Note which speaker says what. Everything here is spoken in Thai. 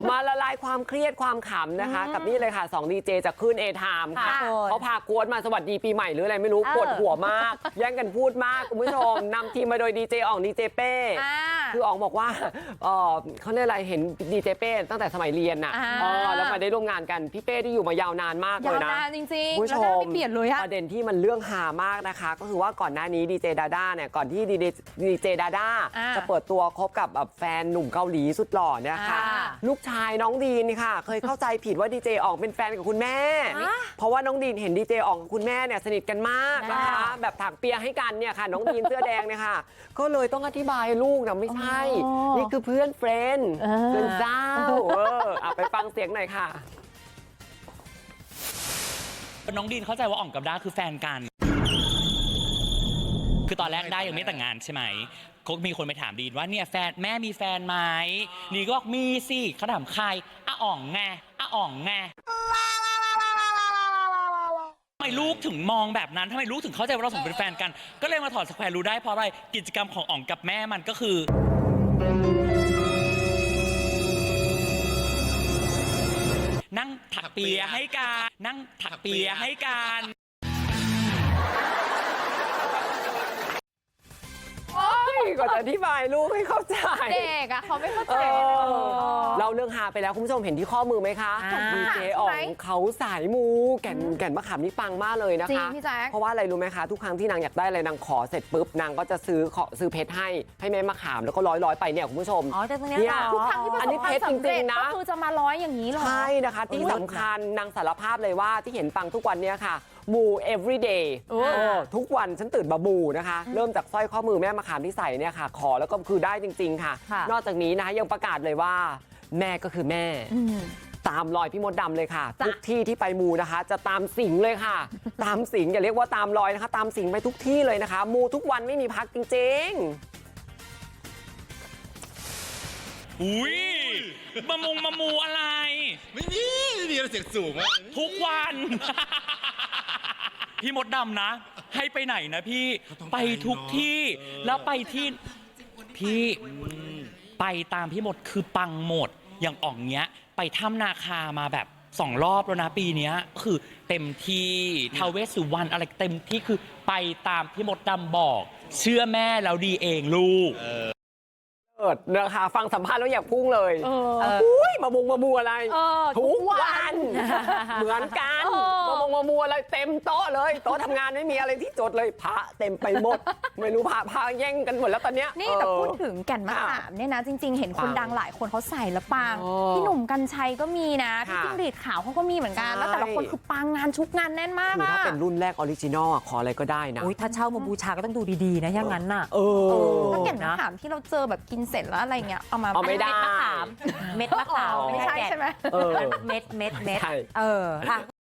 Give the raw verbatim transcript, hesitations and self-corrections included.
Speaker 1: มาละลายความเครียดความขำนะคะกับนี่เลยค่ะสองดีเจจากคลื่นเอทามค่ะเขาพากวนมาสวัสดีปีใหม่หรืออะไรไม่รู้ปวดหัวมากแย่งกันพูดมากคุณผู้ชมนำทีมมาโดยดีเจอ่องดีเจเป้คืออ่องบอกว่าเขาเรียกอะไรเห็นดีเจเป้ตั้งแต่สมัยเรียนน่ะแล้วมาได้ร่วมงานกันพี่เป้ที่อยู่มายาวนานมากเลยนะ
Speaker 2: ยาวนานจริงๆ
Speaker 1: คุณผู้ชม
Speaker 2: เปลี่ยนเลยอะ
Speaker 1: ประเด็นที่มันเรื่องฮามากนะคะก็คือว่าก่อนหน้านี้ดีเจดาด้าเนี่ยก่อนที่ดีเจดาด้าจะเปิดตัวคบกับแฟนหนุ่มเกาหลีสุดหล่อเนี่ยค่ะลูกชายน้องดีนค่ะเคยเข้าใจผิดว่าดีเจอ่องเป็นแฟนกับคุณแม่เพราะว่าน้องดีนเห็นดีเจอ่องกับคุณแม่เนี่ยสนิทกันมากนะคะแบบถักเปียให้กันเนี่ยค่ะน้องดีนเสื้อแดงเนี่ยค่ะก็เลยต้องอธิบายลูกนะไม่ใช่นี่คือเพื่อนเฟรนด์เพื่อนเจ้าเออเอาไปฟังเสียงหน่อยค่ะ
Speaker 3: น้องดีนเข้าใจว่าอ่องกับด้าคือแฟนกันคือตอนแรกได้ยังไม่แต่งงานใช่ไหมก็มีคนไปถามดีนว่าเนี่ยแฟนแม่มีแฟนไหมดีก็บอกมีสิเขาถามใครอ่ะอ่องไงอ่ะอ่องไงทำไมลูกถึงมองแบบนั้นทำไมลูกถึงเข้าใจว่าเราสองเป็นแฟนกันก็เลยมาถอดสแควร์รูทได้เพราะอะไรกิจกรรมของอ่องกับแม่มันก็คือนั่งถักเปียให้กันนั่งถักเปียให้กัน
Speaker 1: ก่อนจะอธิบายลูกให้เข้าใจ
Speaker 2: เด็กอะเขาไม่เข้าใจ
Speaker 1: เราเรื่องฮาไปแล้วคุณผู้ชมเห็นที่ข้อมือไหมคะดีเจอ่องเขาสายมูแก่นแก่นมะขามนี่ปังมากเลยนะคะเพราะว่าอะไรรู้ไหมคะทุกครั้งที่นางอยากได้อะไรนางขอเสร็จปุ๊บนางก็จะซื้อซื้อเพชรให้ให้แม่มะขามแล้วก็ร้อยร้อยไปเนี่ยคุณผู้ชม
Speaker 2: อ๋อแต่ตรงนี้ทุกครั้งที่อันนี้เพชรจริงๆนะก็คือจะมาร้อยอย่างนี้หรอ
Speaker 1: ใช่นะคะที่สำคัญนางสารภาพเลยว่าที่เห็นปังทุกวันนี้ค่ะมู everyday ทุกวันฉันตื่นมามูนะคะเริ่มจากสร้อยข้อมือแม่มะขามที่ใส่เนี่ยค่ะขอแล้วก็คือได้จริงๆค่ะนอกจากนี้นะคะยังประกาศเลยว่าแม่ก็คือแม่ตามรอยพี่มดดำเลยค่ะทุกที่ที่ไปมูนะคะจะตามสิงเลยค่ะตามสิงอย่าเรียกว่าตามรอยนะคะตามสิงไปทุกที่เลยนะคะมูทุกวันไม่มีพักจริง
Speaker 3: ๆอุ้ยมามงมามูอะไร
Speaker 4: ไม่มีไม่มีเสียงสูงอะ
Speaker 3: ทุกวันพี่มดดำนะให้ไปไหนนะพี่ไปทุกที่แล้วไปที่พี่ไปตามพี่มดคือปังหมดอย่างอ่องเนี้ยไปถ้ำนาคามาแบบสองรอบแล้วนะปีนี้คือเต็มที่ท้าวเวสสุวรรณอะไรเต็มที่คือไปตามพี่มดดำบอกเชื่อแม่แล้วดีเองลูก
Speaker 1: เอิดนะคะฟังสัมภาษณ์แล้วอยากพุ่งเลยอุ้ยมาบุงมาบัวอะไรทุกวันเหมือนกันมาบุงมาบัวอะไรเต็มโต๊ะเลยโต๊ะทำงานไม่มีอะไรที่จดเลยพระเต็มไปหมดไม่รู้พระพาแย่งกันหมดแล้วตอนเนี้ย
Speaker 2: นี่แต่พูดถึงแก่นมะขามเนี่ยนะจริงๆเห็นคนดังหลายคนเขาใส่แล้วปังพี่หนุ่มกัญชัยก็มีนะพี่จิ้งหรีดขาวเขาก็มีเหมือนกันแล้วแต่ละคนคือปังงานชุกงานแน่นมาก
Speaker 1: คือถ้าเป็นรุ่นแรกออริจินอลขออะไรก็ได้นะ
Speaker 5: ถ้าเช่ามาบูชาก็ต้องดูดีๆนะอย่างนั้นน่ะ
Speaker 1: เออ
Speaker 2: ถ้าแก่นมะขามที่เราเจอแบบกินเสร็จแล้วอะไรเงี้ยเอามา
Speaker 1: เอาไม่ได้
Speaker 5: เม็ดมะขามเม็ดมะขาม
Speaker 2: ไม่ใช่ใช่ไหม
Speaker 5: เม็ดเม็ดเม็ดเออค่ะ